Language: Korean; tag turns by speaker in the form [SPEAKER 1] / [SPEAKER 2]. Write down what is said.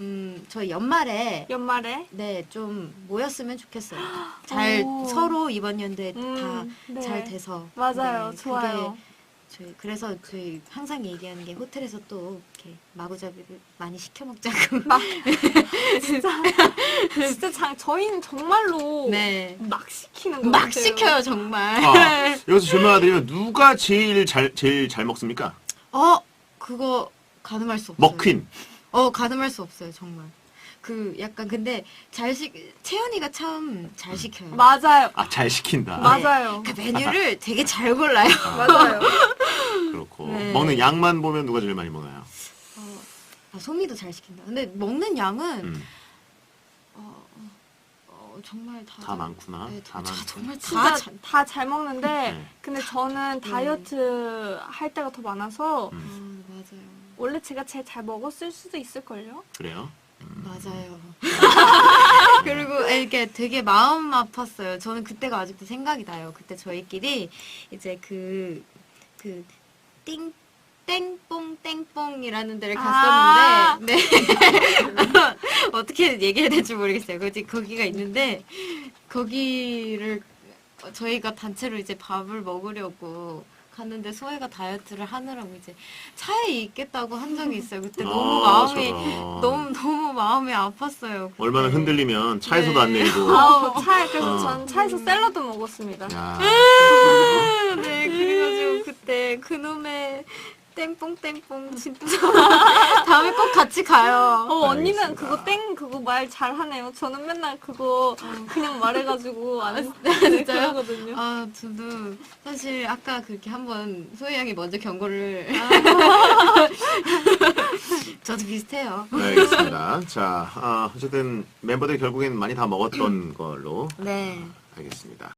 [SPEAKER 1] 저희 연말에
[SPEAKER 2] 네,
[SPEAKER 1] 좀 모였으면 좋겠어요. 잘 서로 이번 연도에 다 잘
[SPEAKER 2] 네.
[SPEAKER 1] 돼서.
[SPEAKER 2] 맞아요.
[SPEAKER 1] 네,
[SPEAKER 2] 좋아요.
[SPEAKER 1] 그래서 저희 항상 얘기하는 게 호텔에서 또 이렇게 마구잡이를 많이 시켜 먹자고.
[SPEAKER 2] 진짜 저희는 정말로
[SPEAKER 1] 네.
[SPEAKER 2] 막 시키는 거
[SPEAKER 1] 막
[SPEAKER 2] 같아요.
[SPEAKER 1] 시켜요, 정말.
[SPEAKER 3] 아, 여기서 질문 하나 드리면 누가 제일 잘 먹습니까?
[SPEAKER 1] 그거 가늠할 수 없어요.
[SPEAKER 3] 먹퀸.
[SPEAKER 1] 가늠할 수 없어요, 정말. 약간 근데 채연이가 참 잘 시켜요.
[SPEAKER 2] 맞아요.
[SPEAKER 3] 아, 잘 시킨다.
[SPEAKER 2] 맞아요.
[SPEAKER 1] 그 메뉴를 되게 잘 골라요.
[SPEAKER 2] 맞아요.
[SPEAKER 3] 그렇고
[SPEAKER 1] 네.
[SPEAKER 3] 먹는 양만 보면 누가 제일 많이 먹나요?
[SPEAKER 1] 소미도 잘 시킨다. 근데 먹는 양은
[SPEAKER 3] 음,
[SPEAKER 1] 정말
[SPEAKER 3] 다 많구나.
[SPEAKER 1] 네,
[SPEAKER 3] 다 많구나.
[SPEAKER 1] 정말
[SPEAKER 2] 진짜 다 잘 먹는데
[SPEAKER 3] 네.
[SPEAKER 2] 근데 저는 다이어트 할 때가 더 많아서
[SPEAKER 1] 맞아요.
[SPEAKER 2] 원래 제가 제일 잘 먹었을 수도 있을걸요?
[SPEAKER 3] 그래요?
[SPEAKER 1] 맞아요. 그리고 이게 되게 마음 아팠어요. 저는 그때가 아직도 생각이 나요. 그때 저희끼리 이제 땡뽕 땡뽕이라는 데를 갔었는데, 네. 어떻게 얘기해야 될지 모르겠어요. 거기가 있는데, 거기를 저희가 단체로 이제 밥을 먹으려고 갔는데 소혜가 다이어트를 하느라고 이제 차에 있겠다고 한 적이 있어요. 그때 너무 마음이 아팠어요. 그때.
[SPEAKER 3] 얼마나 흔들리면 차에서도 안 내리고.
[SPEAKER 2] 그래서 전 차에서 샐러드 먹었습니다.
[SPEAKER 3] 야,
[SPEAKER 1] 네, 그래가지고 그때 그놈의 땡뽕 진짜 다음에 꼭 같이 가요.
[SPEAKER 2] 언니는
[SPEAKER 3] 알겠습니다.
[SPEAKER 2] 그거 말 잘하네요. 저는 맨날 그거 그냥 말해가지고 안
[SPEAKER 1] 진짜요?
[SPEAKER 2] 그러거든요.
[SPEAKER 1] 저도 사실 아까 그렇게 한번 소희 양이 먼저 경고를 저도 비슷해요.
[SPEAKER 3] 네, 알겠습니다. 자, 어쨌든 멤버들 결국엔 많이 다 먹었던 걸로
[SPEAKER 1] 네.
[SPEAKER 3] 알겠습니다.